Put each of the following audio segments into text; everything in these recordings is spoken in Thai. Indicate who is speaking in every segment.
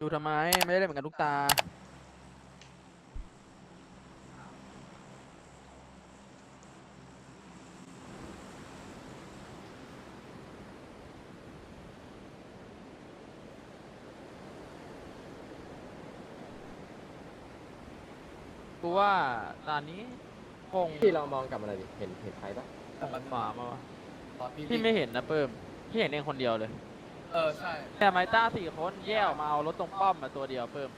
Speaker 1: ดูทำไมไม่ได้เล่นเหมือนกันทุกตากูว่าตอนนี้คง
Speaker 2: พี่เรามองกลับมาหน่อยดิเห็นใครปะ
Speaker 1: หมามาวะ
Speaker 3: ตอน
Speaker 1: พี่ไม่เห็นนะเพิ่มพี่เห็นเองคนเดียวเลย
Speaker 3: ใช่
Speaker 1: แต่ไมต้า4 คนแยกออกมาเอารถตรงป้อมมาตัวเดียวเพิ่ม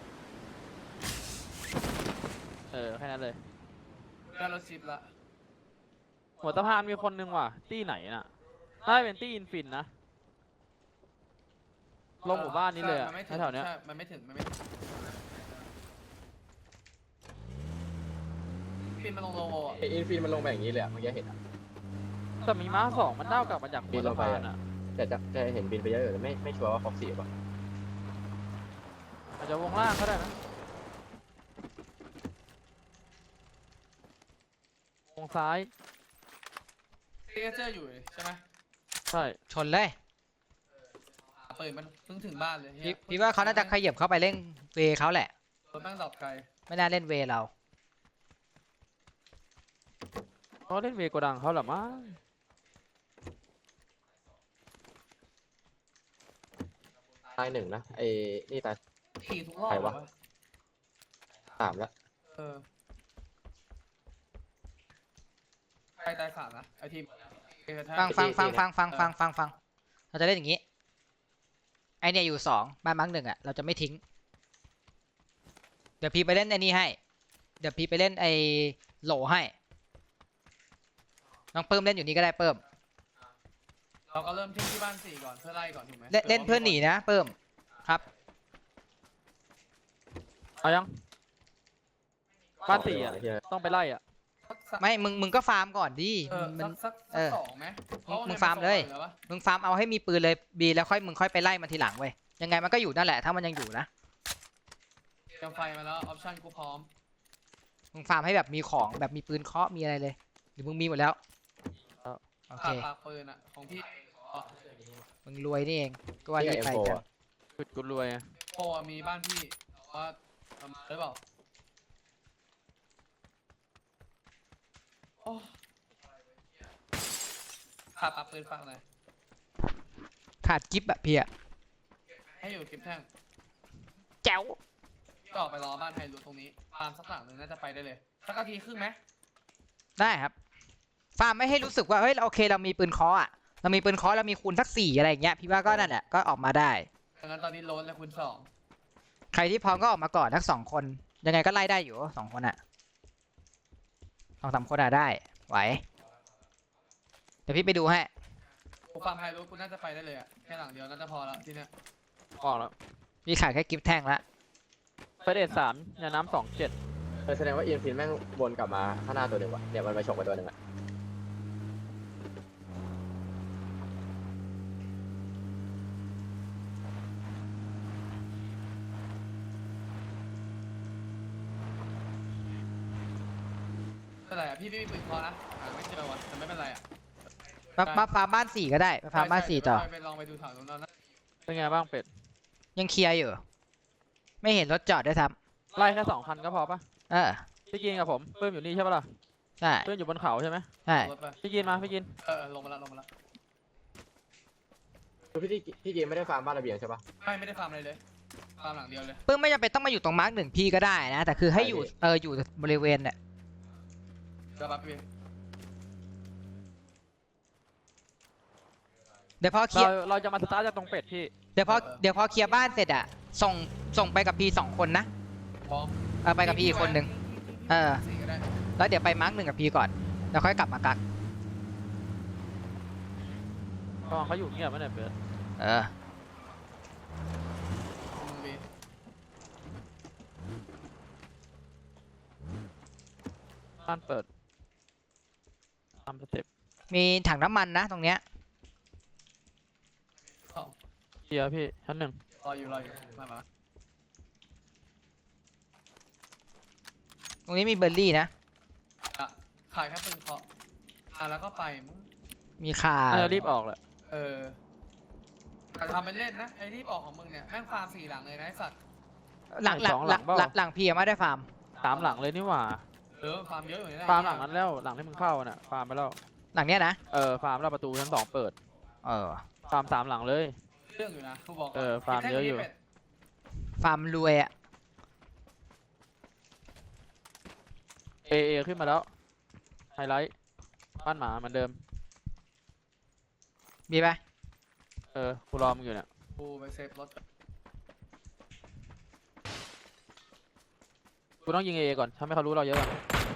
Speaker 1: แค่นั้นเลย
Speaker 3: ได้รถชิปละ
Speaker 1: หัวสะพานมีคนนึงว่ะตี้ไหนน่ะน่าจะเป็นตี้อินฟินนะลงหมู่บ้านนี้เลยอะ
Speaker 3: ใช่มันไม่ถึง
Speaker 1: แถวๆเนี้ย
Speaker 3: ใช่มันไม่ถึงฟินมาลงโลโก้อะ
Speaker 2: ไออินฟินมันลงไปอย่างนี้เลยอะเมื่อกี้เห็นอะ
Speaker 1: แต่มีม้า2มันเด้ากลับมาจากหัวสะพานอ่ะ
Speaker 2: แต่จะเห็นบินไปเยอะอยู่แต่ไม่ชัวร์ว่าฟ็อกซี่ป่ะ
Speaker 1: อาจจะวงล่างก็ได้นะวงซ้าย
Speaker 3: ซิกเนเจอร์อยู่ใช่ไหม
Speaker 1: ใช่
Speaker 4: ชนเลย
Speaker 3: เปิดมันเพิ่งถึงบ้านเลย
Speaker 4: พี่ว่าเขาน่าจะขยับเข้าไปเล่นเวเขาแหละ
Speaker 3: รถแม่งดรอปไกล
Speaker 4: ไม่น่าเล่นเวเรา
Speaker 1: เขาเล่นเวโกดังเขาเหรอมั้ง
Speaker 2: ตายหนึ่งนะไอ้นี่ตาย
Speaker 3: ขี่ทุกรอบ
Speaker 2: ใครวะ
Speaker 3: เลยว
Speaker 2: 3แล้ว
Speaker 3: ใครตาย3นะไอทีม
Speaker 4: ฟังเราจะเล่นอย่างนี้ไอเนี่ยอยู่2บ้านมั้ง1อ่ะเราจะไม่ทิ้งเดี๋ยวพี่ไปเล่นไอ้นี่ให้เดี๋ยวพี่ไปเล่นไอ้โหลให้น้องเพิ่มเล่นอยู่นี่ก็ได้เพิ่ม
Speaker 3: เราก็เริ่มทิ้งที่บ้าน4ก่อนเพื่อไล่ก่อนถูกไหม
Speaker 4: เล่นเพื่อนหนีนะเพิ่มครับ
Speaker 1: เอายังบ้าน4อ่ะ
Speaker 2: ไอ้เหี้ย
Speaker 1: ต้องไปไล่อ่ะ
Speaker 4: ไม่มึงก็ฟาร์มก่อนดิ
Speaker 3: สัก2ไหม
Speaker 4: มึงฟาร์มเลยมึงฟาร์มเอาให้มีปืนเลยบีแล้วมึงค่อยไปไล่มันทีหลังเว้ยยังไงมันก็อยู่นั่นแหละถ้ามันยังอยู่นะ
Speaker 3: เตรียมไฟมาแล้วออปชั่นกูพร้อม
Speaker 4: มึงฟาร์มให้แบบมีของแบบมีปืนเคาะมีอะไรเลยหรือมึงมีหมดแล้วโอเค
Speaker 3: ปากปืนอะของพี่
Speaker 4: มึงรวยนี่เองก็ว่ารีบไปกัน
Speaker 1: จุดกูรวยอะ
Speaker 3: โพมีบ้านพี่ว่าทำหรือเปล่าขาดปากปืนฟังเลย
Speaker 4: ขาดกิฟต์อะพี่อะ
Speaker 3: ให้อยู่กิฟแท่ง
Speaker 4: แจ๋ว
Speaker 3: ก็ออกไปรอบ้านไฮรูตรงนี้ฟาร์มสักหลังหนึ่งน่าจะไปได้เลยสักนาทีครึ่งไหม
Speaker 4: ได้ครับฟาร์มไม่ให้รู้สึกว่าเฮ้ยโอเคเรามีปืนเคาะอะเรามีปืนเคาะเรามีคูณสัก4อะไรอย่างเงี้ยพี่ว่าก็นั่นแหละก็ออกมาได้
Speaker 3: ดังนั้นตอนนี้โลนแล้วคุณ2
Speaker 4: ใครที่พร้อมก็ออกมาก่อนทั้ง2 คนยังไงก็ไล่ได้อยู่2 คนอะ2-3 คนอะได้ไหวเดี๋ยวพี่ไปดูให้
Speaker 3: กูฟาร์มไฮรูกูน่าจะไปได้เลยอะแค่หลังเดียวน่าจะพอแล้วที่เนี้ย
Speaker 1: ออกแล้ว
Speaker 4: พี่ขาดแค่กิฟต์แท่งละ
Speaker 1: ไปเดท3ยาน้ำ27
Speaker 2: แสดงว่าอินฟินแม่งวนกลับมาข้างหน้าตัวหนึ่งว่ะเนี่ยมันไปฉกไปตัวหนึ่งอะ
Speaker 3: ไม่เป็นไรอะพี่ไม่มีปืนคอนะไม่เจอวะแต่ไม่เป็นไรอะ
Speaker 4: มาฟาร์มบ้าน4ก็ได้มาฟาร์มบ้าน4ต่อ
Speaker 3: ไปลองไปดูแถวตรงนั้นนะ
Speaker 1: เป็นไงบ้างเป็ด
Speaker 4: ยังเคลียร์อยู่ไม่เห็นรถจอดด้วยซ้
Speaker 1: ไล่แค่2 คันก็พอปะ
Speaker 4: ำ
Speaker 1: พี่กินกับผมเพิ่มอยู่นี่ใช่ปะล่ะ
Speaker 4: ใช่
Speaker 1: เพิ่มอยู่บนเขาใช่ไหม
Speaker 4: ใช่
Speaker 3: รถไป
Speaker 1: พี่กินมาพี่กิน
Speaker 3: ลงมาแล้ว
Speaker 2: คือพี่เกมไม่ได้ฟาร์มบ้านระเบียงใช่ปะ
Speaker 3: ไม่ได้ฟาร์มอะไรเลยฟาร์มหลังเดียวเลย
Speaker 4: ปึ้มไม่จำเป็นต้องมาอยู่ตรงมาร์ก1พี่ก็ได้นะแต่คือให้อยู่อยู่บริเวณเนี่ย
Speaker 3: เดี๋ยวปั๊บพี่
Speaker 4: เดี๋ยวพอเคลียร์
Speaker 1: เราจะมาสตาร์ทจากตรงเป็ดพี่
Speaker 4: เดี๋ยวพอเคลียร์บ้านเสร็จอะส่งไปกับพี่2 คนนะ
Speaker 3: พร้อม
Speaker 4: ไปกับพี่อีกคนนึง
Speaker 3: สี่ก็ได้
Speaker 4: แล้วเดี๋ยวไปมาร์ก1กับพี่ก่อนแล้วค่อยกลับมากัก
Speaker 1: ตอนเขาอยู่เงียบไหมเนี่ยเป็ด
Speaker 3: มึงบี
Speaker 1: บ้านเปิดตามสเต็ป
Speaker 4: มีถังน้ำมันนะตรงเนี้ย
Speaker 3: สอง
Speaker 1: เคลียร์พี่ชั้น 1
Speaker 3: รออยู่มา
Speaker 4: ตรงนี้มีเบอร์รี่นะ
Speaker 3: ขายแค่ปืนเคาะแล้วก็ไปมึง
Speaker 4: มีคา
Speaker 1: น่าจะรีบออกแหละ
Speaker 3: แต่ทำเป็นเล่นนะไอ้รีบออกของมึงเนี่ยแม่งฟาร์ม4 หลังเลยนะไอ้สัตว์
Speaker 4: หลัง
Speaker 1: สองหลังเปล่า
Speaker 4: หลังพี่ยังไม่ได้ฟาร์ม
Speaker 1: 3 หลังเลยนี่หว่า
Speaker 3: ฟาร์มเยอะอยู่นี่แหละ
Speaker 1: ฟาร์มหลังนั้นแล้วหลังที่มึงเข้าน่ะฟาร์มไปแล้ว
Speaker 4: หลังเนี้ยนะ
Speaker 1: ฟาร์มแล้วประตูชั้น2เปิด
Speaker 4: เออ
Speaker 1: ฟาร์ม3 หลังเลย
Speaker 3: เรื่องอยู่นะกูบอกก่น
Speaker 1: ฟาร์มเยอะอยู่
Speaker 4: ฟาร์มรวยอ่ะ
Speaker 1: เอขึ้นมาแล้วไฮไลท์บ้านหมาเหมือนเดิม
Speaker 4: มีปะ
Speaker 1: กูรอมึงอยู่เนี่ย
Speaker 3: กูไปเซฟรถ
Speaker 1: กูต้องยิงเอก่อนทำให้เขารู้เราเยอะก่อน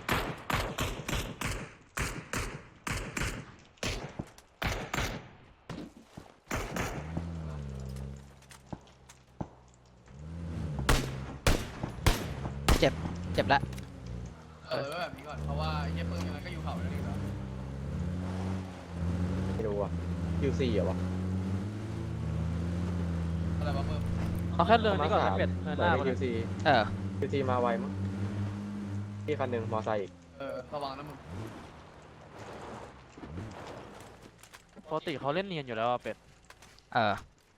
Speaker 4: เจ็บละ
Speaker 3: แบบนี้ก่อนเพราะว่าไอ้เหี้ยปืนยังไงก็อยู่เขาแล้วนี่แล้ว
Speaker 2: ไม่รู้อ่ะ QC เหรอวะ
Speaker 3: อะไรวะเพิ่ม
Speaker 1: เอาแค่เรื่องนี้ก่อน
Speaker 2: มา
Speaker 1: ให้
Speaker 2: สาม
Speaker 1: เป็ด
Speaker 2: เหมื
Speaker 1: ห
Speaker 2: อน
Speaker 1: น้า
Speaker 2: ใน
Speaker 1: มัน
Speaker 2: QC
Speaker 4: เออ
Speaker 2: QC มาไวมั้งพี่คันหนึ่งมอไซค์อีก
Speaker 3: ระวังนะมึง
Speaker 1: ปกติเขาเล่นเนียนอยู่แล้วอะเป็ด
Speaker 4: เออ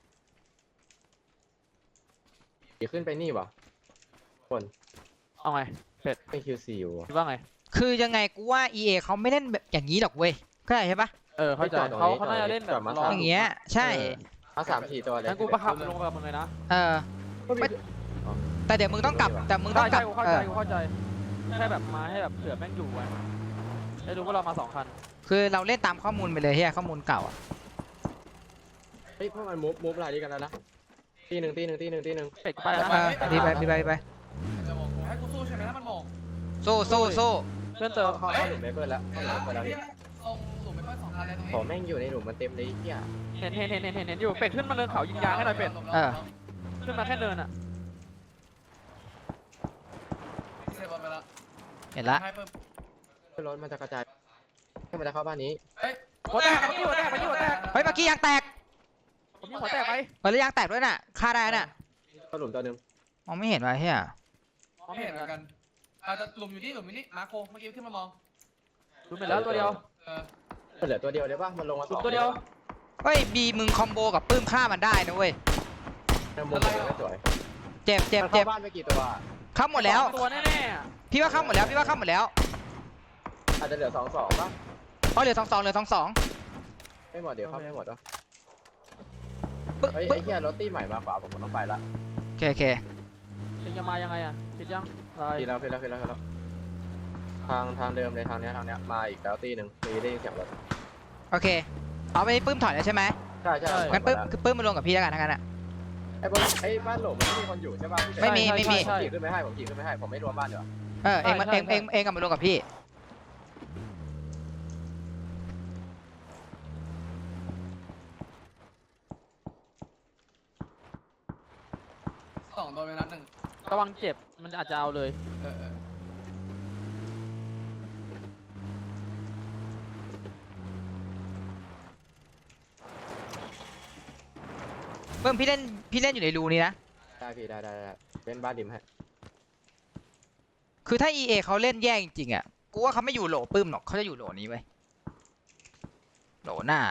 Speaker 2: ขี่ขึ้นไปนี่วะคน
Speaker 1: เอาไง
Speaker 2: เป็น QC อยู่วะ
Speaker 1: คิดว่าไง
Speaker 4: คือยังไงกูว่า EA เขาไม่เล่นแบบอย่างนี้หรอกเว้ยเข้าใจใช่ปะ
Speaker 1: เข้าใจเขาน่าจะเล่นแบบรอ
Speaker 4: อย่างเงี้ยใช่
Speaker 2: มา3-4 ตัวเลย
Speaker 1: งั้นกูประคับลงไปกับมึงเลยนะ
Speaker 4: เออ
Speaker 2: ก็มี
Speaker 4: แต่เดี๋ยวมึงต้องกลับแต่มึงต้องกลั
Speaker 1: ใช่
Speaker 4: บ
Speaker 1: กูเข้า
Speaker 4: เอ
Speaker 1: ใจ
Speaker 4: อ
Speaker 1: กูเข้าใจแค่แบบมาให้แบบเผื่อแม่งอยู่ไว้ได้รู้ว่าเรามา2 คัน
Speaker 4: คือเราเล่นตามข้อมูลไปเลยเฮียข้อมูลเก่าอ่ะ
Speaker 2: เฮ้ยพวกมันมูฟลายนี้กันแล้วนะตีหนึ่ง
Speaker 1: เป็ดกูไปแล้ว
Speaker 4: เอ
Speaker 1: นะ
Speaker 4: อพี่ไป
Speaker 3: จะบอกกูให้กูสู้ใช่ไหมถ้ามันมอง
Speaker 4: สู้
Speaker 1: เพื่อนเจอ
Speaker 2: เข้าหลุมเมเปิลแล้วเข้าหลุมเมเปิลแล้วพี่
Speaker 3: ตรงหลุมไม่ค่อย2 คันเลยตรงนี้
Speaker 2: ของแม่งอยู่ในหลุมมันเต็มเลยเฮีย
Speaker 1: เห็นอยู่เป็ดขึ้นมาเนินเขายิงยางให้หน่อยเป็ด
Speaker 4: เออ
Speaker 1: ขึ้นมาแค่เนินอ่ะ
Speaker 3: เซฟบอลไปแล้ว
Speaker 4: เห็นละ
Speaker 3: ให้เพิ่ม
Speaker 2: รถมันจะกระจายให้มันจะเข้าบ้านนี้
Speaker 1: หัวแตกหัวแตกหัวแตก
Speaker 4: เฮ้ยเมื่อกี้ยางแตก
Speaker 1: ผมยิงหัวแตกไป
Speaker 4: เฮ้ยแล้วยางแตกด้วยน่ะฆ่าได้น่ะ
Speaker 2: เข้าหลุมตัวหนึ่ง
Speaker 4: มองไม่เห็นว่ะเฮีย
Speaker 1: มอง
Speaker 3: ไม่
Speaker 1: ไม่
Speaker 3: เห็
Speaker 1: เห็
Speaker 3: น
Speaker 1: น
Speaker 3: เหมือน
Speaker 1: กั
Speaker 3: กัน นอาจจะหลุมอยู่นี่มาโคเมื่อกี้ขึ้นมามอง
Speaker 1: ดูไปแล้วตัวเดียว
Speaker 2: มันเหลือตัวเดียวเลยป่ะมันลงมา
Speaker 1: สุดตัวเดียว
Speaker 4: เฮ้ยบีมึงคอมโบกับปื้มฆ่ามันได้นะเว้ย
Speaker 2: มุมมันไม่สวย
Speaker 4: เจ็บ
Speaker 2: มันเข้าบ้านไปกี่ตัว
Speaker 4: เข้าหมดแล้ว
Speaker 1: ตัวแน่ๆอะ
Speaker 4: พี่ว่าเข้าหมดแล้ว
Speaker 2: อาจจะเหลือ2-2ป่ะ
Speaker 4: เพราะเหลือ2-2เหลือ2-2
Speaker 2: ไม่หมดเดี๋ยวเข้าไม่หมดวะ
Speaker 4: ปึ๊บ
Speaker 2: เฮ้ย
Speaker 4: ปึ๊
Speaker 2: ไอ้
Speaker 4: บ
Speaker 2: เหี้ยรถตี้ใหม่มาขวาผมต้องไปละ
Speaker 4: โอเค
Speaker 1: เองจะมายังไงอ่ะคิดยังอะไร
Speaker 2: ทีแล้วทางเดิมเลยทางเนี้ยมาอีกแล้วตีหนึ่งมีได้ยินเสียงรถ
Speaker 4: โอเคเอาไปปื้มถอยแล้วใช่ไหม
Speaker 2: ใช่
Speaker 4: งั้นปื้มมารวมกับพี่แล้วกันทั้งนั้นอ่ะ
Speaker 2: ไอ้บ้านหลงมันไม่มีคนอยู่ใช่ป่ะ
Speaker 4: ไม่มี
Speaker 2: ผมขี่ขึ้นไม่ให้ผมไม่รวมบ้านเดี๋ยว
Speaker 4: เองกลับมารวมกับพี่
Speaker 3: 2 โดนไปนัดหนึ่ง
Speaker 1: ระวังเจ็บมันอาจจะเอาเลย
Speaker 4: ปื้มพี่เล่นอยู่ในรูนี้นะ
Speaker 2: ได้พี่ได้เป็นบ้านดิมให้
Speaker 4: คือถ้า EA เขาเล่นแย่จริงๆอ่ะ กูว่าเขาไม่อยู่โหลปื้มหรอกเขาจะอยู่โหลนี้ไว้ยโหลหน้า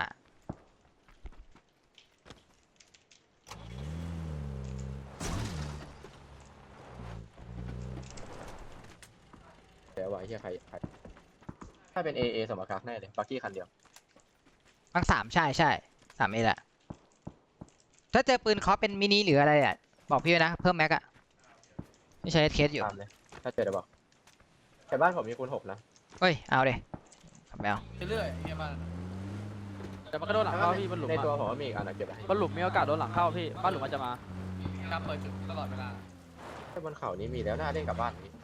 Speaker 2: เดี๋ยวไว้เฮียใครถ้าเป็น AA สมการแน่เลยบักกี้คันเดียว
Speaker 4: ทั้ง3ใช่3A แหละถ้าเจอปืนเคาะเป็นมินิหรืออะไรอ่ะบอกพี่ไว้นะเพิ่มแม็กอะไม่ใช่เคสอยู่
Speaker 2: ตามเลยถ้าเจอเดี๋ยวบอกแต่บ้านผมมีคูณ6นะ
Speaker 4: เฮ้ยเอาเลยขับแมว
Speaker 3: เรื่อยๆเฮียบ้าน
Speaker 1: แต่มันก็โดนหลังเข้าพี่บนหลุม
Speaker 2: ในตัว
Speaker 1: อะ
Speaker 2: ผมมีอีกอันเก็บไว้
Speaker 1: บนหลุมมีโอกาสโดนหลังเข้าพี่บ้านหลุมมันจะมา
Speaker 3: การเปิดจุดตลอดเวลา
Speaker 2: ถ้าบนเขานี้มีแล้วน่าเล่นกับบ้านนี้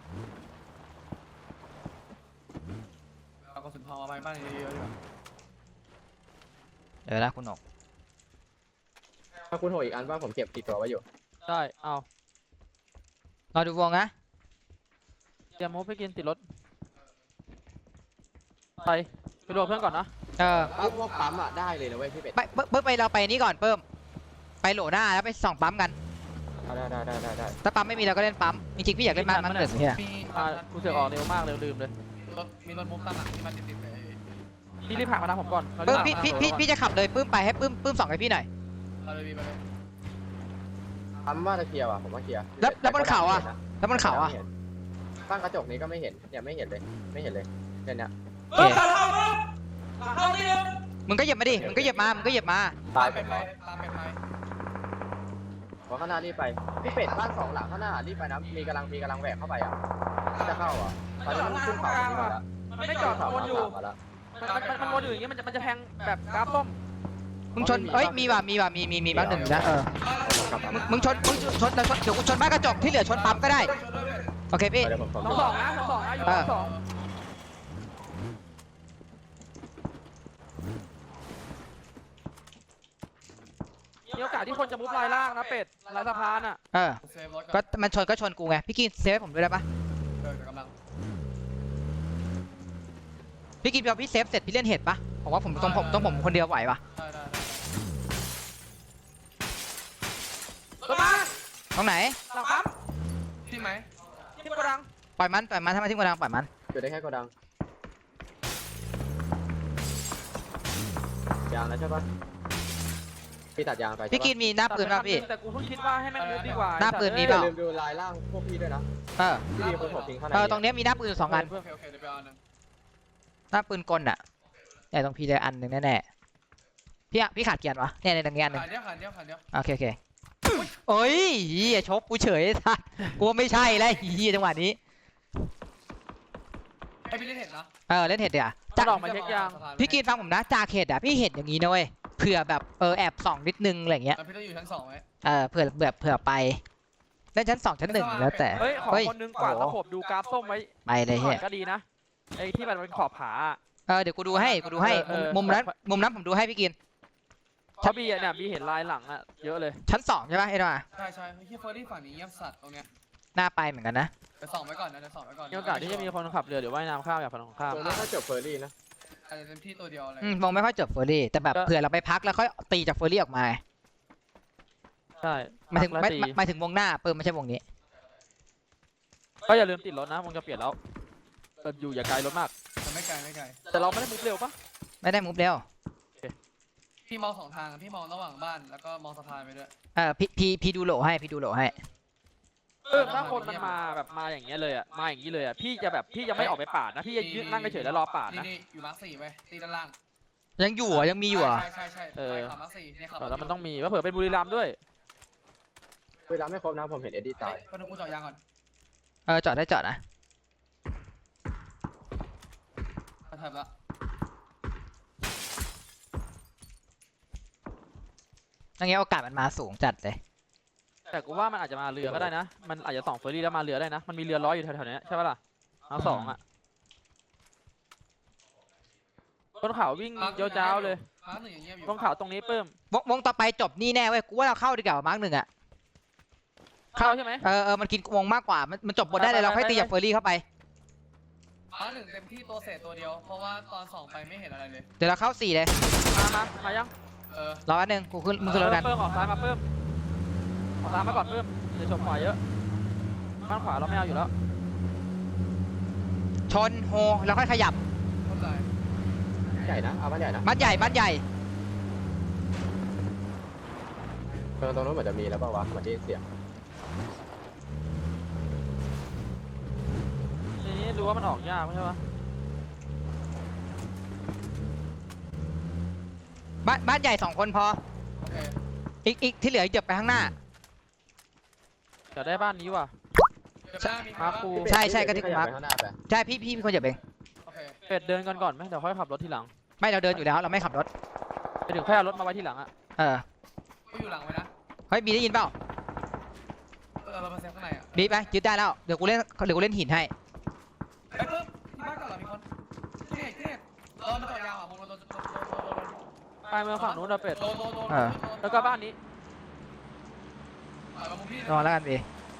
Speaker 3: เอากระสุนทองมาไว้บ้านเยอะๆดีกว่า
Speaker 4: เดี๋ยวนะคุณหนก
Speaker 2: ถ้าคูณ6อีกอันบ้านผมเก็บติดตัวไว้อยู่
Speaker 1: ได้เอา
Speaker 4: รอดูวงนะ
Speaker 1: เตรียมมุกไปกินติดรถไปรวมเพื่อนก่อนนะ
Speaker 2: พวกปั๊มอะได้เลยนะเว้ยพี่เป็ด
Speaker 4: ไปเพิ่มไปเราไปนี่ก่อนเพิ่มไปโหลหน้าแล้วไปส่องปั๊มกัน
Speaker 2: ได้
Speaker 4: ถ้าปั๊มไม่มีเราก็เล่นปั๊มจริงๆพี่อยากเล่นมันเหลือเฮีย
Speaker 3: มี
Speaker 1: กูเสือกออกเร็วมากลืมเลย
Speaker 3: มีรถมุกตั้งหลังที่มันติดๆไป
Speaker 1: พี่รีบผ่านมาทางผมก่อน
Speaker 4: ปื้มพี่จะขับเลยปื้มไปให้ปื้มส่องให้พี่หน่อย
Speaker 3: เอาเลยไปเลย
Speaker 2: ปั๊มว่าจะเคลียร์ว่ะผมว่าเคลียร์
Speaker 4: แล้วบนเขาอะแล้วบนเขาอะ
Speaker 2: ตั้งกระจกนี้ก็ไม่เห็นเนี่ยไม่เห็นเลยเนี่ย
Speaker 4: โอเคมึงก็เหยียบมาดิมึงก็เหยียบมา
Speaker 2: ตาย
Speaker 3: ตามไป
Speaker 2: ผม
Speaker 3: ตามไป
Speaker 2: เพราะข้างหน้ารีบไปพี่เป็ดบ้าน2 หลังข้างหน้ารีบไปนะมีกำลังแหวกเข้าไปอ่ะจะเข้าอ่ะตอนนี้มันขึ้นเขาตรงนี้มาแล้ว
Speaker 1: มันไม่จอดวนอยู่
Speaker 2: มาแล้ว
Speaker 1: มันวนอยู่อย่างเงี้ยมันจะแทงแบบกราฟส้ม
Speaker 4: มึงชนเอ้ยมีว่ะมีบ้านหนึ่งนะมึงชนแล้วชนเดี๋ยวกูชนบ้านกระจกที่เหลือชนปั๊มก็ได้โอเคพี่
Speaker 2: เดี๋ยวผม
Speaker 1: สองนะอยู่สองมีโอกาสที่คนจะมุฟลายล่างนะเป็ดลายสะพานอ่ะ
Speaker 3: เซฟรถ
Speaker 4: ก็มันชนกูไงพี่กินเซฟให้ผมด้วยได้ปะ
Speaker 3: กำลัง
Speaker 4: พี่กินพี่เซฟเสร็จพี่เล่นเห็ดปะผมว่าผมต้องคนเดียวไหวปะ
Speaker 1: รถมา
Speaker 4: ตรงไหน
Speaker 1: หลังปั๊ม
Speaker 3: ที่ไหม
Speaker 1: ที่กระดัง
Speaker 4: ปล่อยมันถ้ามาที่กระดังปล่อยมัน
Speaker 2: จุดได้แค่โกดังยางแล้วใช่ปะพี่ตัดยางไป
Speaker 4: พี่กินมีหน้าปืนป่ะพี่
Speaker 1: แต่กูเพิ่งคิดว่าให้แม่งมุฟดีกว่า
Speaker 4: หน้าปืนมี
Speaker 2: อย่าลืมดูลายล่างพวกพี่ด้วยนะ
Speaker 4: เออ
Speaker 2: พี่มีคนผมทิ้งข้างใน
Speaker 4: ตรงเนี้ยมีหน้าปืนอยู่2 อัน
Speaker 3: โอเคเดี๋ยวไปเอาหนึ่ง
Speaker 4: หน้าปืนกลอะแต่ตรงพี่ได้อันหนึ่งแน่ๆพี่ขาดเกียร์วะเนี่ยในตรงนี้อันหนึ่ง
Speaker 3: ขันเดียว
Speaker 4: โอเคโอ้ยเฮียชกกูเฉยทัดกูไม่ใช่แล้วเฮียจังหวะนี้
Speaker 3: ให้พี่เล่นเห็นนะ
Speaker 4: เล่นเห็ดเดี๋ยว
Speaker 1: จะออกมาเช็คยาง
Speaker 4: พี่กินฟังผมนะจากเห็ดอะพี่เห็นอย่างนี้นะเว้ยเผื่อแบบแอบส่องนิดนึงอะไรเงี้ย
Speaker 3: แล้วพี่ต้องอยู่ชั้น2ไว้
Speaker 4: เผื่อไปเล่นชั้น 2 ชั้น 1แล้วแต่
Speaker 1: เฮ้ยขอคนนึงกว่าดตะขบดูกราฟส้มไว้
Speaker 4: ไปเลยเฮีย
Speaker 1: ก็ดีนะไอ้ที่มันเป็นขอบผา
Speaker 4: เดี๋ยวกูดูให้มุมนั้นผมดูให้พี่กิน
Speaker 1: เพราะบีเนี่ยบีเห็นลายหลังอะเยอะเลย
Speaker 4: ชั้น 2ใช่ปะเอ็ดวะ
Speaker 3: ใช่เฮียเฟอร์รี่ฝั่งนี้เงียบสัตว์ตรงเนี้ย
Speaker 4: หน้าไปเหมือนกันนะ
Speaker 3: ไปส่องไว้ก่อนนะจะส่องไว้ก่อน
Speaker 1: มีโอกาสที่จะมีคนขับเรือหรือว่ายน้ำข้ามอย่างฝั่งตรงข้าม
Speaker 2: ผมไม่ค่อยจบเฟอร์รี่นะ
Speaker 3: อาจจะเป็นที่ตัวเดียวอะไร
Speaker 4: มองไม่ค่อยเจอเฟอร์รี่แต่แบบ
Speaker 1: ก็
Speaker 4: เผื่อเราไปพักแล้วค่อยตีจากเฟอร์รี่ออกมา
Speaker 1: ใช่
Speaker 4: หมายถึง
Speaker 1: แล้วตี
Speaker 4: หมายถึงวงหน้าไม่ใช่วงนี้
Speaker 1: ก็อย่าลืมติดรถนะวงจะเปลี่ยนแล้วอยู่อย่าไกลรถมาก
Speaker 3: แต่ไม่ไกล
Speaker 1: แต่เราไม่ได้มุฟเร็วปะ
Speaker 4: ไม่ได้มุฟเร็ว
Speaker 3: พี่มอง2 ทางพี่มองระหว่างบ้านแล้วก็มองสะพานไปด้วย
Speaker 4: พี่ดูโหลให้
Speaker 1: ถ้าคนมันมาแบบมาอย่างเงี้ยเลยอะมาอย่างนี้เลยอะพี่จะแบบพี่จะไม่ออกไปปาดนะพี่จะยืนนั่งเฉยๆแล้วรอปาดนะ
Speaker 3: นี่อยู่มาร์ค4ไปตีด้านล่าง
Speaker 4: ยังอยู่อ่ะยังมีอยู่อ่ะ
Speaker 3: ใช่ไปขับมาร์ค4เนี่ยขับ
Speaker 1: แล้วมันต้องมีว่าเผื่อเป็นบุรีรัมย์ด้วย
Speaker 2: เวลาไม่ครบนะผมเห็นเอ็ดดี้ตาย
Speaker 3: ก็ต้องกูเจาะยางก่อน
Speaker 4: จอดได้จอดนะ
Speaker 3: มาถับละ
Speaker 4: นั่นไงโอกาสมันมาสูงจัดเลย
Speaker 1: แต่กูว่ามันอาจจะมาเรือก็ได้นะมันอาจจะส่องเฟอร์รี่แล้วมาเรือได้นะมันมีเรือร้อยอยู่แถวๆนี้ใช่ปะล่ะเอาสองอะบนเขาวิ่งเจ้าๆเลย
Speaker 3: มาร์ค1อย่างเงียบอยู่
Speaker 1: บนเขาตรงนี้เพิ่ม
Speaker 4: วงต่อไปจบนี่แน่เว้ยกูว่าเราเข้าดีกว่ามาร์ก 1อ่ะ
Speaker 1: เข้าใช่ไหม
Speaker 4: มันกินวงมากกว่ามันจบบทได้เลยเราค่อยตีจากเฟอร์รี่เข้าไป
Speaker 3: มาร์ค1เต็มที่ตัวเศษตัวเดียวเพราะว่าตอน2ไปไม่เห็นอะไรเลย
Speaker 4: เดี๋ยวเราเข้า4เลย
Speaker 1: มายัง
Speaker 4: รอแป๊บนึงกูขึ้นมึงขึ้นรถกัน
Speaker 1: เพิ่มออกซ้ายมาเพิ่มออกซ้ายมาก่อนเพิ่มเดี๋ยวชมขวาเยอะบ้านขวาเราไม่เอาอยู่แล้ว
Speaker 4: ชนโฮแล้วค่อยขยับ
Speaker 3: เข้าใจ
Speaker 2: ใหญ่นะเอาบ้านใหญ่นะ
Speaker 4: บ้านใหญ่
Speaker 2: ตรงนู้นเหมือนจะมีแล้วเปล่าวะเหมือนที่เสียง
Speaker 1: ทีนี้ดูว่ามันออกยากไม่ใช่ปะ
Speaker 4: บ้านใหญ่2 คนพอ
Speaker 3: โอเค
Speaker 4: อีกที่เหลือเหยียบไปข้างหน้า
Speaker 1: เดี๋ยวได้บ้านนี้ว่ะ
Speaker 3: เดี๋ยวหน้ามี
Speaker 1: มาคู
Speaker 4: ใช่ก็ที่กู
Speaker 2: ขยับ
Speaker 4: มาร์ค
Speaker 2: ไปข้างหน้าไป
Speaker 4: ใช่พี่เป็นคนเหยียบเอง
Speaker 3: โอเค
Speaker 1: เป็ดเดินก่อนไหมเดี๋ยวค่อยขับรถทีหลัง
Speaker 4: ไม่เราเดินอยู่แล้วเราไม่ขับรถ
Speaker 1: ไปถึงค่อยเอารถมาไว้ทีหลังอะ
Speaker 3: กูอยู่หลังไว้นะ
Speaker 4: เฮ้ยบีได้ยินเปล่า
Speaker 3: เรามาเซฟข้างในอ่ะ
Speaker 4: บีไปยึดได้แล้วเดี๋ยวกูเล่นหินให้
Speaker 3: ไอ้เพิ่มที่บ้านก่อนเหรอมีคนที่ไหนมาต่อยาวอ่ะโดน
Speaker 1: ไปเมืองฝั่งนู้นเราเป็ด
Speaker 3: โดน
Speaker 1: แล้วก็บ้านนี้
Speaker 3: มามุมพี่
Speaker 4: รอแล้วกันบี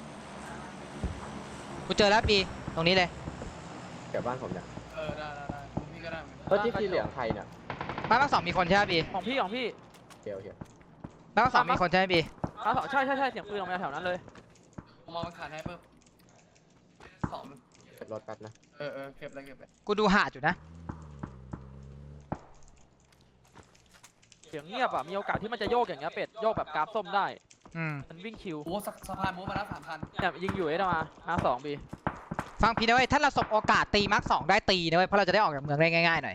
Speaker 4: กูเจอแล้วบีตรงนี้เลย
Speaker 2: เก็บบ้านผมเนี่ย
Speaker 3: ได้มุมพี่ก็ได้
Speaker 2: แล้วที่สีเหลืองใครเนี่ย
Speaker 4: บ้าน2มีคนใช่ไหมบี
Speaker 1: ของพี่
Speaker 2: โอเค
Speaker 4: บ้าน2มีคนใช่ไหมบี
Speaker 1: บ้านสองใช่เสียงปืนออกมาแถวนั้นเลย
Speaker 3: ผมมองมันขาดให้เพิ่ม2
Speaker 2: เก็บรถแป๊บนะ
Speaker 3: เก็บเลย
Speaker 4: กูดูหาดอยู่นะ
Speaker 1: เสียงเงียบอะมีโอกาสที่มันจะโยกอย่างเงี้ยเป็ดโยกแบบกราฟส้มได้มันวิ่งคิว
Speaker 3: โอ้สะพานมูฟมาแล้ว3,000
Speaker 1: เนี่ยยิงอยู่มา2บี
Speaker 4: ฟังพี่นะเว้ยถ้าเราสบโอกาสตีมาร์ค2ได้ตีนะเว้ยเพราะเราจะได้ออกจากเมืองได้ง่ายๆหน่อย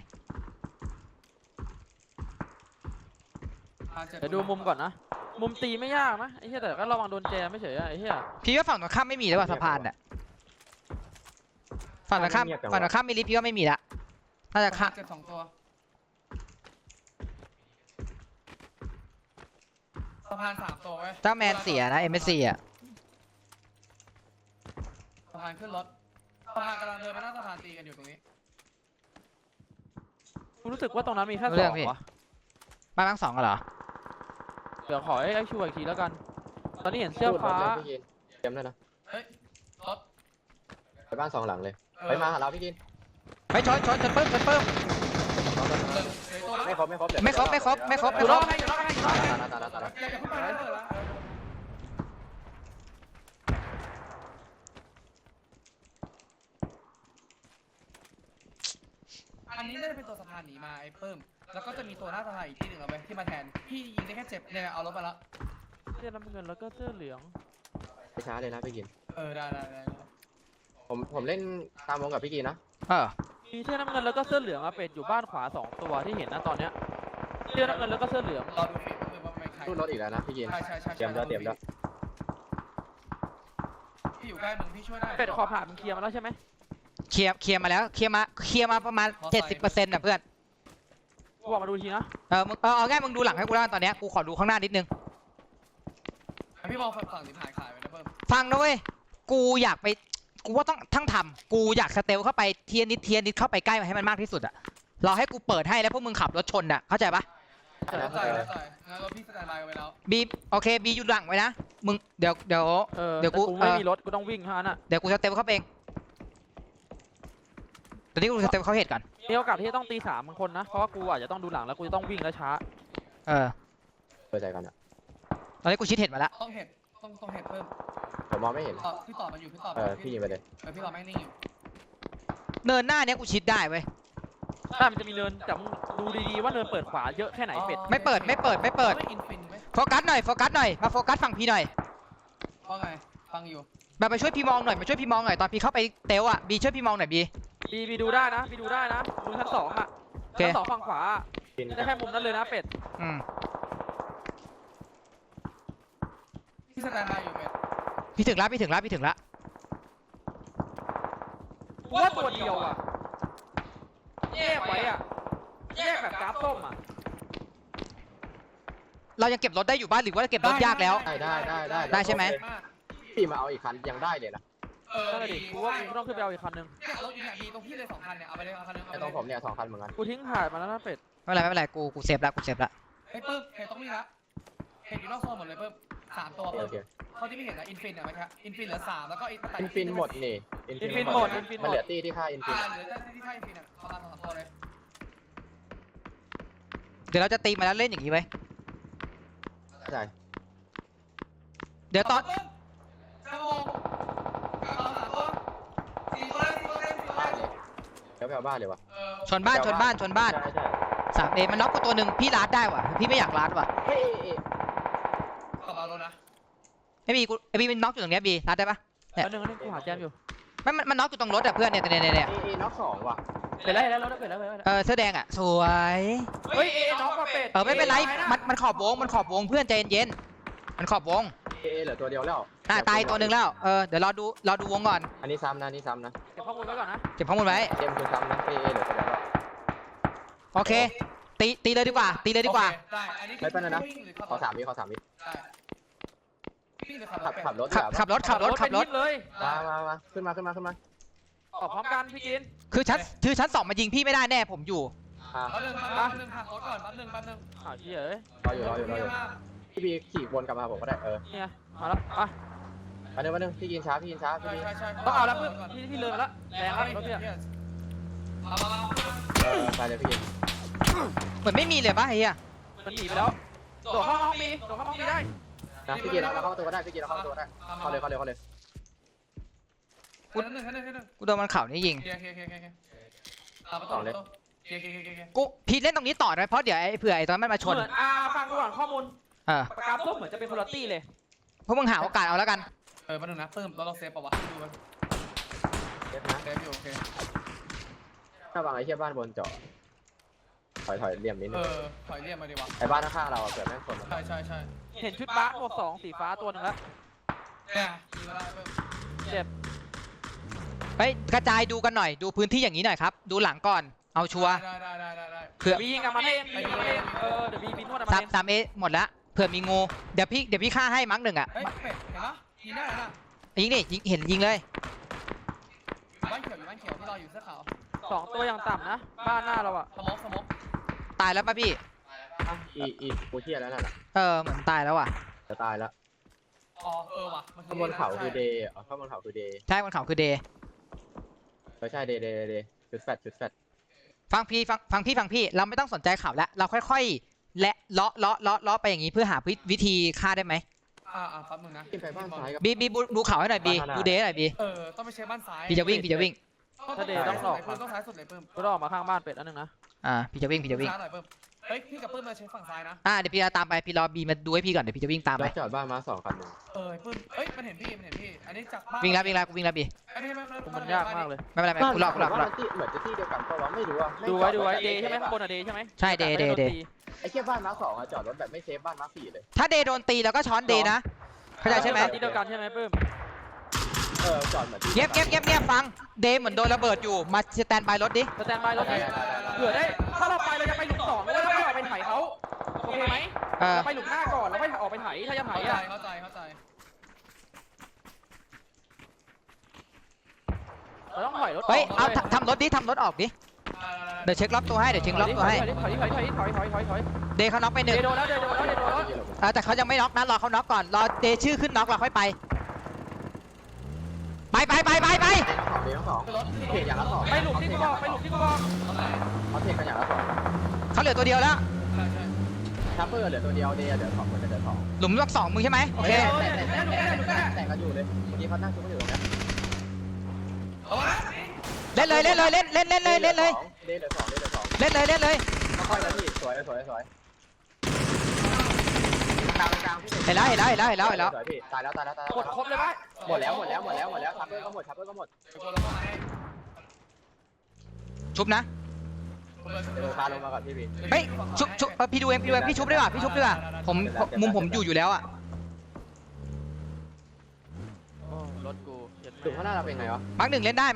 Speaker 1: เดี๋ยวดูมุมก่อนนะมุมตีไม่ยากนะไอ้เหี้ยแต่ก็ระวังโดนแจมไม่เฉยอะไอ้เหี้ย
Speaker 4: พี่ว่าฝั่งตรงข้ามไม่มีแล้วว่ะสะพานอ่ะฝั่งตรงข้ามไม่รีบพี่ว่าไม่มีละน่าจะข้าม
Speaker 3: เจ็บ2 ตัวสะพาน3 ตัวเว้ย
Speaker 4: ถ้าแมนเสียนะMSCอ่ะ
Speaker 3: สะพานขึ้นรถสะพานกำลังเดินมาหน้าสะพานตีกันอยู่ตรงนี้
Speaker 1: กูรู้สึกว่าตรงนั้นมีแค่
Speaker 4: เรื่
Speaker 1: ส
Speaker 4: อ
Speaker 1: อง ง
Speaker 4: พี่
Speaker 1: วะ
Speaker 4: บ้านมาร์ค2กันเหรอ
Speaker 1: เดี๋ยวขอไอ้ชัวร์อีกทีแล้วกัน ตอนนี้เห็นเสื้อฟ้า
Speaker 2: พูดรถเลยพี่กินเตรียมด้วยนะ
Speaker 3: เฮ้ยรถ
Speaker 2: ไปบ้าน2หลังเลยไปมาหาเราพี่กิน
Speaker 4: ไปชนปึ้ม
Speaker 3: เหลือตัวนะ
Speaker 2: ไม่ครบ
Speaker 1: อยู่รอบให้อยู่รอบให้อยู่รอบให้
Speaker 2: ตาย
Speaker 3: อย่าเพิ่งไปเลยนะอันนี้น่าจะเป็นตัวสะพานหนีมาไอ้เพิ่มแล้วก็จะมีตัวหน้าสะพานอีกที่หนึ่งเอาไปที่มาแทนพี่ยิงได้แค่เจ็บเนี่ยเอารถมาแล้ว
Speaker 1: เสื้อน้ำเงินแล้วก็เสื้อเหลือง
Speaker 2: ไปช้าเลยนะพี่กิน
Speaker 3: ได้
Speaker 2: ผมเล่นตามวงกับพี่กินนะ
Speaker 1: มีเสื้อน้ำเงินแล้วก็เสื้อเหลืองอะเป็ดอยู่บ้านขวา2ตัวที่เห็นนะตอนเนี้ยเสื้อน้ำเงินแล้วก็เสื้อเหลือง
Speaker 3: รอดูฟีดว่าไม่ใคร
Speaker 2: ตู้รถอีกแล้วนะพี่กิน
Speaker 3: ใช่
Speaker 2: เตรียมแล้ว
Speaker 3: พี่อยู่ใกล้มึงพี่ช่วยได้
Speaker 1: เป็ดขอผ่านมึงเคลียร์มาแล้วใช่ไหม
Speaker 4: เคลียร์มาแล้วเคลียร์มาประมาณ 70%นะเพื่อน
Speaker 1: กูบอกมาดูทีนะ
Speaker 4: มึงเอาง่ายมึงดูหลังให้กูแล้วกันตอนเนี้ยกูขอดูข้างหน้านิดนึง
Speaker 3: พี่มองฝั่งสิบหายขายไปนะเพิ่ม
Speaker 4: ฟังนะเว้ยกูอยากไปกูว่าต้องทั้งทำกูอยากสเตลเข้าไปเทียนิดเข้าไปใกล้มาให้มันมากที่สุดอะรอให้กูเปิดให้แล้วพวกมึงขับรถชนอะเข้าใจปะ
Speaker 3: เข้าใจงั้นรถพี่สแตนบายไว้แล้ว
Speaker 4: บีโอเคบีอยู่หลังไว้นะมึงเดี๋ยว เดี๋ยว
Speaker 1: แต่
Speaker 4: กู
Speaker 1: กูไม่มีรถกูต้องวิ่งเท่านั้นอะ
Speaker 4: เดี๋ยวกูสเตลเข้าไปเองตอนนี้กูสเตลเข้าเหตุก่อน
Speaker 1: มีโอกาสที่จะต้องตี3บางคนนะเพราะว่ากูอาจจะต้องดูหลังแล้วกูจะต้องวิ่งแล้วช้า
Speaker 2: เปิดใจก่อนนะ
Speaker 4: ตอนนี้กูชิดเหตุมาแล้ว
Speaker 3: ต้องเห็ดต้องเห็ดเพิ่ม
Speaker 2: ผมมองไม่เห็น
Speaker 3: พี่ต่อมันอยู่พี่ต่อ
Speaker 2: พี่ยิงไปเลย
Speaker 3: พี่ต่อแม่งนิ่งอยู่
Speaker 4: เนินหน้าเนี้ยกูชิดได้เว้ย
Speaker 1: ถ้ามันจะมีเนินแต่มึงดูดีๆว่าเนินเปิดขวาเยอะแค่ไหนเป็ด
Speaker 4: ไม่เปิด
Speaker 3: ไม่อินฟินไหม
Speaker 4: โฟกัสหน่อยมาโฟกัสฝั่งพี่หน่อย
Speaker 3: ว่าไงฟังอยู่
Speaker 4: แบบไปช่วยพี่มองหน่อยตอนพี่เข้าไปเตลอะบีช่วยพี่มองหน่อยบี
Speaker 1: บีดูได้นะดูชั้น2อะชั้น2ฝั่งขวาได้แค่มุมนั้นเลยนะเป็ด
Speaker 3: พี่สแตนบายอยู่เป็ด
Speaker 4: พี่ถึงละ
Speaker 1: ว่าตัวเดียวอะแยกไว้อะแยกแบบกราฟส้มอะ
Speaker 4: เรายังเก็บรถได้อยู่บ้านหรือว่าเก็บรถยากแล้ว ได้ใช่ไหม
Speaker 2: พี่มาเอาอีกคันยังได้เลยนะ
Speaker 1: นั่นแหละดิกูว่ากูต้องขึ้นไปเอาอีกคันนึง
Speaker 3: เนี่ยรถอยู่เนี่ยมีตรงพี่เลย2 คันเนี่ยเอาไปเลยเอาคันนึง
Speaker 2: ไอ้ตรงผมเนี่ย2 คันเหมือนกัน
Speaker 1: กูทิ้งถ่ายมาแล้วนะเป็ด
Speaker 4: ไม่เป็นไรกูเซฟละ
Speaker 3: เฮ้ยปึ๊บเห็ดต้องมีละเห็ดอยู่นอกโซนหมดเลยปึ๊บ3 ตัว
Speaker 2: โอ
Speaker 3: ปึ๊บ
Speaker 2: เค
Speaker 3: เขาที่ไม่เห็นนะอินฟินอะไหมครับอินฟินเหลือ3แล้วก็
Speaker 2: อินฟินหมดนี่มันเหลือตี้ที่ค่าอินฟิน
Speaker 3: เหลือแต่ที่ไทยอินฟินอะประมาณ2 ตัวเลย
Speaker 4: เดี๋ยวเราจะตีมาแล้วเล่นอย่างนี้ไว้
Speaker 2: ใช่
Speaker 4: เดี๋ยวตอน
Speaker 3: จะมองเอา3 ตัว4 ตัวเลย4 ตัวเลย
Speaker 2: เดี๋ยวไปเอาบ้านเลยวะ
Speaker 4: ชนบ้าน
Speaker 2: ใช่
Speaker 4: 3A มันน็อกกูตัวหนึ่งพี่ลาดได้ว่ะพี่ไม่อยากลาดว่ะ
Speaker 2: เฮ้ย
Speaker 3: กลับเอารถนะ
Speaker 4: ไอ้บีมันน็อกอยู่ตรงเนี้ยบีลาดได้ปะ
Speaker 1: แล้วนึงกูหาแจมอยู่
Speaker 4: มันน็อกอยู่ตรงรถอะเพื่อนเนี่ย
Speaker 2: น็อก2ว่ะ
Speaker 1: เป็ดแล้วรถเป็ดแล้ว
Speaker 4: เสื้อแดงอะสวย
Speaker 1: เฮ้ยน้องมาเป็ด
Speaker 4: ไม่เป็นไรมันขอบวงเพื่อนใจเย็นๆมันขอบวง
Speaker 2: เหลือตัวเดียวแล้ว
Speaker 4: ตายตัวหนึ่งแล้วเดี๋ยวรอดูวงก่อน
Speaker 2: อันนี้ซ้ำนะ
Speaker 1: เก็บข้อมูลไว้ก่อนนะ
Speaker 4: เก็บข้อมูลไว้
Speaker 2: เกมคือซ้ำนะเหลือตัวเดียวแล้ว
Speaker 4: โอเคตีเลยดีกว่า
Speaker 3: ได้อันนี้
Speaker 2: ไม่เป็นไรนะขอ3 วิ
Speaker 3: ได้พี่จะขับ
Speaker 2: ขับรถ
Speaker 4: ขับรถ
Speaker 1: เลย
Speaker 2: มาขึ้นมา
Speaker 1: ออกพร้อมกันพี่กิน
Speaker 4: คือชั้น2มายิงพี่ไม่ได้แน่ผมอยู่
Speaker 3: แป๊บนึงหักรถก่อนแป๊บนึง
Speaker 1: อ้าวเหี้ยเอ้ย
Speaker 2: รออยู่พี่บีขี่วนกลับมาผมก็ได้
Speaker 1: เนี่ยมาแล้วอ่ะ
Speaker 2: มาเดี๋ยวพี่กินช้าพี่บี
Speaker 3: ใช่
Speaker 1: ต้องเอาแล้วเพื่อนพี่เลยมาแล้วแรงแล้วรถพี่
Speaker 2: ไปเลยพี่กิน
Speaker 4: เหมือนไม่มีเลยปะไอ้เหี้ย
Speaker 1: มันหนีไปแล้วโดดเข้าห้องมีได้
Speaker 2: นะพี่กินเราเข้าประตูก็ได้พี่กินเราเข้าประตูก็ได้เข้าเลย
Speaker 4: กูโดนมันเข่านี่ยิง กูพีเล่นตรงนี้ต่อนะเพราะเดี๋ยวเผื่อไอ้ตอนมันมาชน
Speaker 1: เหมือนฟังกูก่อนข้อมูล
Speaker 4: เออ
Speaker 1: ปากกาส้มเหมือนจะเป็นคุณตี้เลย
Speaker 4: พวกมึงหาโอกาสเอาแล้วกัน
Speaker 3: มาดูนะเพิ่มเราเซฟป่าวะดูมัน
Speaker 2: เจ็บนะ
Speaker 3: เซฟอยู่โอเค
Speaker 2: ถ้าวางไอ้เชี่ยบ้านบนเจาะถอยเหลี่ยมนิดนึง
Speaker 3: ถอยเรียกมาดีวะ
Speaker 2: ไอ้บ้านข้างๆเราเกิดแม่งคน
Speaker 3: ใช่
Speaker 1: เห็นชุดบ้าหมวกสองสีฟ้าตัวหนึงแล้ว
Speaker 3: เนี่ยยิงมาได้เพิ่ม
Speaker 1: เจ็บ
Speaker 4: ไปกระจายดูกันหน่อยดูพื้นที่อย่างนี้หน่อยครับดูหลังก่อนเอาชัวร์
Speaker 3: ได้
Speaker 4: เผื่อ
Speaker 1: บียิงกับมันเองบียิงกับมันเองเดี๋ยวบีนวดกับมัน
Speaker 4: สาม
Speaker 1: เอง
Speaker 4: สามเอหมดละเผื่อมีงูเดี๋ยวพี่ฆ่าให้มั้งหนึ่งอ่ะ
Speaker 3: เฮ้ยเป็ดเห็นปะยิงได้แล้วนะ
Speaker 4: ยิงดิยิงเห็นยิงเลย
Speaker 3: บ้านเขียวที่เราอยู่เสื้อขาว
Speaker 1: สองตัวอย่างต่ำนะบ้านหน้าเราอะ
Speaker 3: สมก
Speaker 4: ตายแล้วป่ะพี่
Speaker 2: อีกูเชี่ยแล้วน่ะ
Speaker 4: เหมือนตายแล้วอ่ะ
Speaker 2: จะตายแล้ว
Speaker 3: อ๋อว่ะ
Speaker 2: ข้างบนเขาคือเดย์ข้างบนเขาคือเดย์
Speaker 4: ใช่บนเขาคือเดย์
Speaker 2: ไม่ใช่เดย์จุดแฟด
Speaker 4: ฟังพี่เราไม่ต้องสนใจข่าวแล้วเราค่อยๆและเลาะไปอย่างนี้เพื่อหาวิธีฆ่าได้ไหม
Speaker 3: แป๊บนึงนะ
Speaker 2: ขึ้นไปบ้านซ้ายกับ
Speaker 4: บีดูข่าวให้หน่อยบีดูเดย์หน่อยบี
Speaker 3: ต้องไปเช็คบ้านซ้าย
Speaker 4: พี่จะวิ่ง
Speaker 3: ต้องซ้ายสุดเลยเพิ่ม
Speaker 1: ก็ต้องออกมาข้างบ้านเป็ดอันนึงนะ
Speaker 4: พี่จะวิ่ง
Speaker 3: ซ้ายหน่อยเพิ่มเฮ้ยพี่กับเพิ่มมาเช็คฝั่งซ้ายนะ
Speaker 4: เดี๋ยวพี่จะตามไปพี่รอบีมาดูให้พี่ก่อนเดี๋ยวพี่จะวิ่งตามไป
Speaker 2: จอดบ้านมา2 คันหนึ่ง
Speaker 3: เพิ่มเฮ้ยมันเห็นพี่อันนี้จากบ้าน
Speaker 4: วิ่งแล้วกูวิ่งแล้วบี
Speaker 1: มันยากมากเลย
Speaker 4: ไม่เป็นไรกูรอ
Speaker 2: เหมือนจะที่เดียวกันก็ว่าไม่รู้อ่ะ
Speaker 1: ดูไว้เดย์ใช่ไหมข้างบนอะเดย์ใช่ไหม
Speaker 4: ใช่เดย์
Speaker 2: ไอ้เชี่ยบ้านมา2อ่ะจอดรถแบบไม่เซฟบ้านมา4เลย
Speaker 4: ถ้าเดย์โดนตีแล้วก็ช้อนเดย์นะเข้าใจใช่ไหม
Speaker 1: ที่เดียวกันใช่ไหมปื้ม
Speaker 2: จอดเหมือนที่
Speaker 4: เงียบฟังเดย์เหมือนโดนระเบิดอยู่มาสแตนบายรถดิ
Speaker 1: สแตนบายรถนี้เผื่อได้ถ้าเราไปเราจะไปหลุมสองแล้วเราไม่ออกไปไถเขาโอเคไหมเราไปหลุมหน้าก่อนแล้วค่อยออกไปไถถ้าจะไถอะ
Speaker 3: เข้าใจ
Speaker 1: เราต้องถอยรถ
Speaker 4: เฮ้ยเอาทำรถออกดิเดี๋ยวเช็คล็อกตัวให้เดี๋ยวเช็คล็อกตัวให้
Speaker 1: ถอย
Speaker 4: เดย์เขาน็อกไปห
Speaker 1: เด
Speaker 4: นึ่ง
Speaker 1: ย์โดนแล้วเดย์โดนแล้ว
Speaker 4: แต่เขายังไม่น็อกนะรอเขาน็อกก่อนรอเดย์ชื่อขึ้นน็อกเราค่อยไปไป
Speaker 2: เดียว2เพจอย่างละ2
Speaker 1: ไปหลุมที่กูบอก
Speaker 2: เขาเพจกันอย่างละ2
Speaker 4: เขาเหลือตัวเดียวแล้ว
Speaker 2: ชัปเปอร์เหลือตัวเดียวเดย์เหลือ2คนจะเหลือ2
Speaker 4: หลุมล็อก2มึงใช่ไหมโอเค
Speaker 2: แต่งกันอยู่เลยเมื่อกี้เขานั่งชุบกันอยู่ตรงนี้
Speaker 4: เล่นเลย
Speaker 2: เดย์เหลือ2เดย์เหลือ2
Speaker 4: เล่นเลย
Speaker 2: ค่อยๆนะพี่สวยกลางพี่
Speaker 4: เห็นแล้ว
Speaker 2: สวยพี่ตายแล้ว
Speaker 1: หมดครบเลยป่ะ
Speaker 2: หมดแล้วชัปเปอร์ก็หมด
Speaker 4: ชุบนะ
Speaker 2: เดี๋ยวพาลงมาก่อนพี่บี
Speaker 4: เฮ้ยชุบพี่ดูเองพี่ชุบดีกว่าผมมุมผมอยู่แล้วอ่ะ
Speaker 1: รถกู
Speaker 2: ถึงข้างหน้าเราเป็นไงวะ
Speaker 4: มักหนึ่งเล่นได้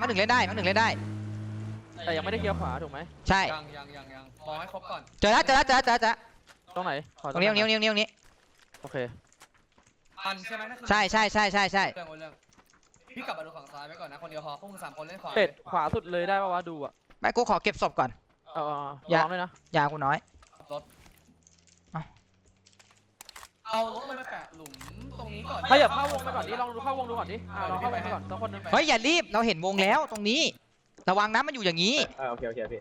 Speaker 1: แต่ยังไม่ได้เคลียร์ขวาถูกไหม
Speaker 4: ใช่
Speaker 3: ยังมองให้ครบก่อน
Speaker 4: เจอแล้ว
Speaker 1: ตรงไหน
Speaker 4: ตรงนี้
Speaker 1: โอเค
Speaker 3: อันใช่ไหม
Speaker 4: ใช่
Speaker 3: เรื่องพี่กลับมาดูฝั่งซ้ายไว้ก่อนนะคนเดียวพอพวกมึง3 คนเล่นขวา
Speaker 1: เป็ดขวาสุดเลยได้ป่าวะดูอ่ะ
Speaker 4: ไม่กูขอเก็บศพก่อน
Speaker 1: ลองด้วยนะ
Speaker 4: ยากูน้อย
Speaker 3: เอารถลงไปแปะหลุมตรงนี้ก่อน
Speaker 1: ถ้าอย่าเข้าวงไปก่อนดิลองดูเข้าวงดูก่อนดิลองเข้าวงไปก่อนต้องคนนึง
Speaker 4: เฮ้ยอย่ารีบเราเห็นวงแล้วตรงนี้ระวังนะมันอยู่อย่างนี้
Speaker 2: โอเคพี่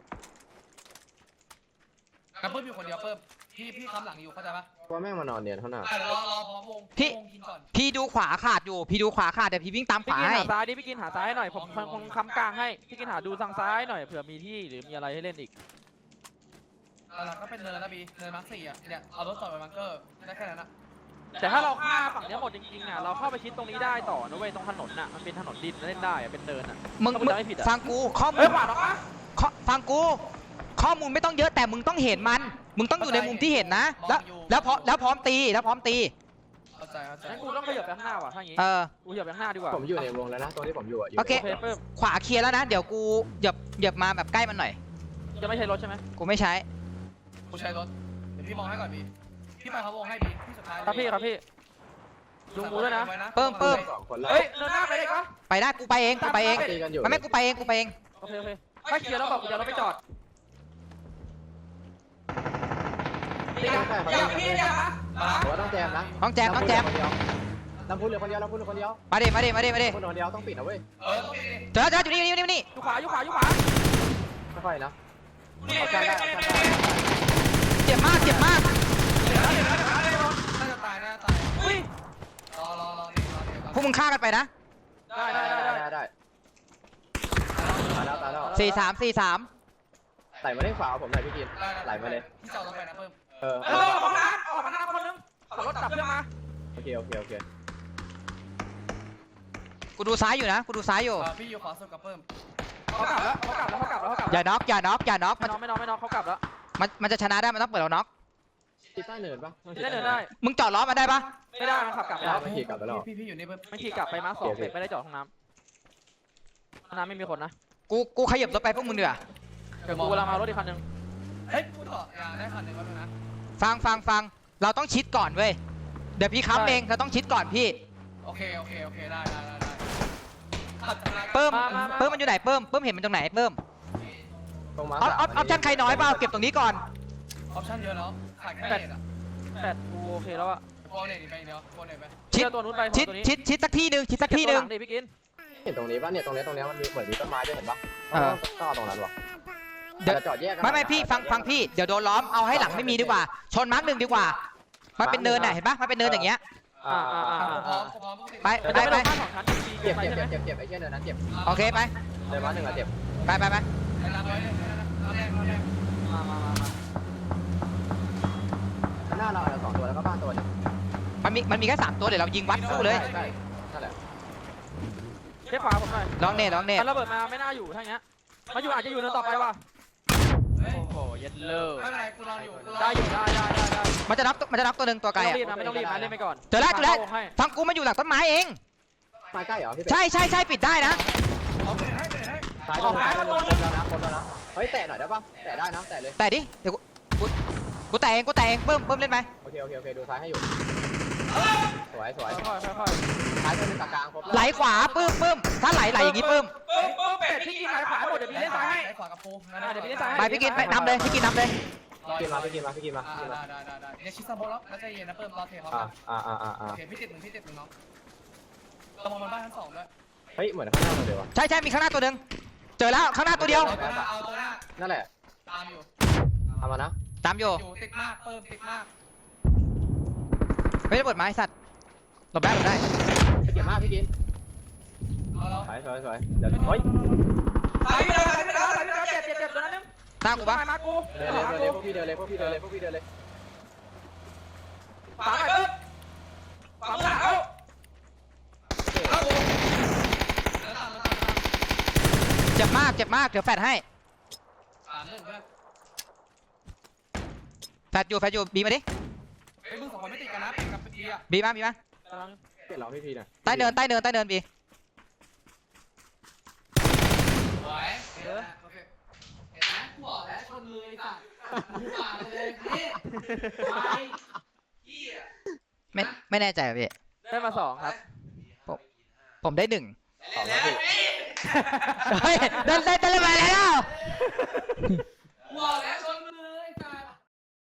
Speaker 3: กระเพิ่มอยู่คนเดียวเพิ่มพี่ค้ำหลังอยู่เข้าใจปะ
Speaker 2: ว่าแม่งมานอนเนียนข้างหน้าร
Speaker 3: อพร้อมวงกินก่อน
Speaker 4: พี่ดูขวาขาดอยู่แต่พี่วิ่งตามข
Speaker 1: พี่
Speaker 4: วา
Speaker 1: กิน
Speaker 4: ให้
Speaker 1: หาซ้ายดิพี่กินหาซ้ายหน่อยผมคงค้ำกลางให้พี่กินหาดูทางซ้ายหน่อยเผื่อมีที่หรือมีอะไรให้เล่นอีก
Speaker 3: หลังก็เป็นเนินนะบีเนินมาร์ค4อ่ะเนี่ยเอารถจอดไปบังเกอร์ได้แค่นั้นนะ
Speaker 1: แต่ถ้าเราฆ่าฝั่งนี้หมดจริงๆอ่ะเราเข้าไปชิดตรงนี้ได้ต่อนะเว้ยตรงถนนน่ะมันเป็นถนนดินเล่นได้อ่ะเป็นเนินอ่ะ
Speaker 4: มึง
Speaker 1: ถ้ากูจำไม่ผิดอะ
Speaker 4: ฟังกูข้อมู
Speaker 1: เฮ้
Speaker 4: ล
Speaker 1: ยขวาหรอปะ
Speaker 4: ฟังกูข้อมูลไม่ต้องเยอะแต่มึงต้องเห็นมันมึงต้องอยู่ในมุมที่เห็นนะแล้วพร้อมตี
Speaker 3: เข้าใจ
Speaker 1: งั้นกูต้องขยับไปข้างหน้าว่ะถ้าอย่างงี้ กูขยับไปข้างหน้าดีกว่า
Speaker 2: ผมอยู่ในวงแล้วนะตรงที่ผมอยู่
Speaker 4: โอเค
Speaker 1: โอเคเพิ่ม
Speaker 4: ขวาเคลียร์แล้วนะเดี๋ยวกูเหยียบมาแบบใกล้มันหน่อย
Speaker 1: จะไม่ใช่รถใช่ไหม
Speaker 4: กูไม่ใใช้
Speaker 3: กูใช้รถเดี๋ยวพี่มองให้ก่อนบีพี่ไปเขาวงให้บีพี่สุดท้าย
Speaker 1: ครับพี่ลุงกูด้วยนะ
Speaker 4: เพิ่ม
Speaker 2: 2 คนแล้ว
Speaker 1: เฮ้ยเดินหน้าไปได้ปะ
Speaker 4: ไปได้กูไปเอง
Speaker 2: ตีกันอยู่
Speaker 4: ไม่กูไปเอง
Speaker 1: โอเคถ้าเคลียร์แล้วบอกกูจะเราไปจอดอย่าพี่อย่า
Speaker 2: ผมว่าต้องแจมนะ
Speaker 4: น้องแจม
Speaker 2: ลำพูนเหลือคนเดียวคนเดียว
Speaker 4: มาดิ
Speaker 2: คนเดียวต้องปิดนะเว้ย
Speaker 4: เจออยู่นี่
Speaker 1: อยู่ขวา
Speaker 2: ค่อยๆนะ
Speaker 4: เจ็บมาก
Speaker 3: น่าจะตาย
Speaker 1: อุ้ย
Speaker 3: รอ
Speaker 4: พวกมึงฆ่ากันไปนะ
Speaker 1: ได้
Speaker 2: ตายแล้ว
Speaker 4: 4-3
Speaker 2: ใส่มาได้ขวาผมหน่อยพี่กินไหลมาเลย
Speaker 3: พี่จอดลงไปนะเพิ่ม
Speaker 1: ออกมาหน้าคนนึงขับรถดับเครื่องมา
Speaker 2: โอเค
Speaker 4: กูดูซ้ายอยู่นะกูดูซ้ายอยู่
Speaker 3: พี่อยู่ขวาสุดกับเพิ่ม
Speaker 1: เขากลับแล้ว
Speaker 4: อย่าน็อกอย่าน็อกอย่าน็อก
Speaker 1: ไม่น็อกเขากลับแล้ว
Speaker 4: มันจะชนะได้มันต้องเปิดเราน็อก
Speaker 2: ที่ใต้เนินปะ
Speaker 1: ได้เดินได้
Speaker 4: มึงจอดล้อมาได้ปะ
Speaker 1: ไม่ได้มันขับกลับไปแล้ว
Speaker 2: ไม่ขี่กลับไปแล้ว
Speaker 3: พี่อยู่นี่เพิ่ม
Speaker 1: มันขี่กลับไปมาร์ค 2เป็ดไม่ได้จอดห้องน้ำไม่มีคนนะ
Speaker 4: กูขยับรถไปพวกมึงเดือ
Speaker 1: เดี๋ยวกูกำลังมารถอีกคันนึง
Speaker 3: เฮ้ยพูดต่อได้คันหนึ่งแล้วนะ
Speaker 4: ฟังเราต้องชิดก่อนเว้ยเดี๋ยวพี่ค้ำเองเราต้องชิดก่อนพี่
Speaker 3: โอเคได้
Speaker 4: เพิ่มมันอยู่ไหนเพิ่มเห็นมันตรงไหนเพิ่ม
Speaker 2: ตรงมา
Speaker 4: ออปชั่นใครน้อยเปล่าเก็บตรงนี้ก่อน
Speaker 3: ออปชั่นเยอะแล้วขาดแค่เน็ตอ่ะ
Speaker 1: แต่กูโอเคแล้วอะ
Speaker 3: โกเน็ตไปเดียวโกเน็ตไป
Speaker 4: ชิด
Speaker 1: ตัวนู้นไป
Speaker 4: ชิดสักที่หนึ่งชิดสักที่หนึ่ง
Speaker 1: ดิพี่กิน
Speaker 2: เห็นตรงนี้ปะเนี่ยตรงนี้มันมีเหมือนมีต้นไม้ด้วยเห็นปะต้องเอาตรงนั้นวะ
Speaker 4: เดี๋ยว
Speaker 2: จะจอดแยกกัน
Speaker 4: ไม่พี่ฟังพี่เดี๋ยวโดนล้อมเอาให้หลังไม่มีดีกว่า ชนมาร์ค 1ดีกว่ามันเป็นเนินน่ะเห็นปะมันเป็นเนินอย่างเงี้ย
Speaker 3: พร้อม
Speaker 4: ไป
Speaker 1: มันจะไม่ลงบ้าน2 ชั้น
Speaker 2: เจ็บ
Speaker 1: ไปใช่ไหม
Speaker 2: ไอ้เหี้ยเนินนั้นเจ็บ
Speaker 4: โอเคไป
Speaker 2: เดินมา1อะเจ็บ
Speaker 4: ไป
Speaker 3: ไอ้ลาไว้เลยแรก
Speaker 2: ข้างหน้าเรา2ตัวแล้วก็บ้านตัวนึง
Speaker 4: มันมีแค่3ตัวเดี๋ยวเรายิงวัดสู้เลย
Speaker 2: ใช่นั่นแหละ
Speaker 1: เช็คขวาผมหน่อย
Speaker 4: ลองเนต
Speaker 1: มันระเบิดมาไม่น่าอยู่ถ้าอย่างเงี้ยมาอยู่อาจจะอยู่เนินต่อไปว่ะโอ้โหยัดเลิก
Speaker 3: ไม่เป็นไรกูรออยู่
Speaker 1: ได้อยู่ได้
Speaker 4: มันจะน็อกตัวหนึ่งตัวไกล
Speaker 1: ไม่ต้องรีบนะเล่นไปก่อน
Speaker 4: เจอแล้วฟังกูมันอยู่หลังต้นไม้เอง
Speaker 2: มาใกล้เหรอพี่เป็ด
Speaker 4: ใช่ปิดได้นะ
Speaker 3: เอาไปให้
Speaker 2: ซ้ายคนแล้วนะเฮ้ยแตะหน่อยได้ปะแตะได้นะแตะเลย
Speaker 4: แต่ดิเดี๋ยวกูแต่เองเพิ่มเล่นไหม
Speaker 2: โอเคดูซ้ายให้อยู่สวย
Speaker 1: ค่อย
Speaker 2: ซ้ายตัวนึงกลางครบ
Speaker 4: ไหลขวาปื้มถ้าไหลอย่างงี้ปื้ม
Speaker 1: เป็ดพี่กินไหลขวาหมดเดี๋ยวพี่เล่นซ้ายให้
Speaker 3: ขวากับปู
Speaker 4: ไปพี่กินไปนำเลยพี่กินนำเลย
Speaker 2: พี่มา
Speaker 3: ได้เนี่ยชิซาโบแล้วแล้วใจเย็นนะเพิ่มรอเทเขาโอเคพี่ติดหนึ่งน้องตรงมันบ้านชั้น2ด้วย
Speaker 2: เฮ้ยเหมือนข้างหน้าเลยวะ
Speaker 4: ใช่มีข้างหน้าตัวหนึ่งเจอแล้วข้างหน้าตัวเดียว
Speaker 3: เอาตัวหน้า
Speaker 2: นั่นแหละ
Speaker 3: ตามอยู่
Speaker 2: เอามานะ
Speaker 4: ตามอยู่
Speaker 3: ติดมากเพิ่มติดมาก
Speaker 4: ไม่ได้เปิดไม้สัตว์หลบได้
Speaker 2: เก็บมากพี่กิน
Speaker 3: เอาแล้ว
Speaker 2: สวยเดี๋ยวเฮ้ย
Speaker 1: ไปแล้วเจ็บตัวนั้นนึง
Speaker 4: หน้ากูปะ
Speaker 1: มากู
Speaker 2: เดินเลยพวกพี่เดินเลย
Speaker 1: ฝังไปปึ๊บฝังหลังเอา
Speaker 4: เจ็บมากเดี๋ยวแฟดให้
Speaker 3: 3-1เพื่อน
Speaker 4: แฟดอยู่บีมาดิ
Speaker 3: ไอ้มึง2คนไม่ติดกันนะเป็นกับปีอ่ะ
Speaker 4: บีมา
Speaker 2: เปลี่ยนเราพี่หน่อย
Speaker 4: ใต้เนินบี
Speaker 3: สวยโอเคเห็นไหมกูบอกแล้วชนเลยสัตว์หูปากเลยพี่
Speaker 4: ไม่แน่ใจพี่
Speaker 1: ได้มา2ครับ
Speaker 4: ผมได้1
Speaker 2: 2แล้วพี่
Speaker 4: เฮ้ยได้มาแล้ว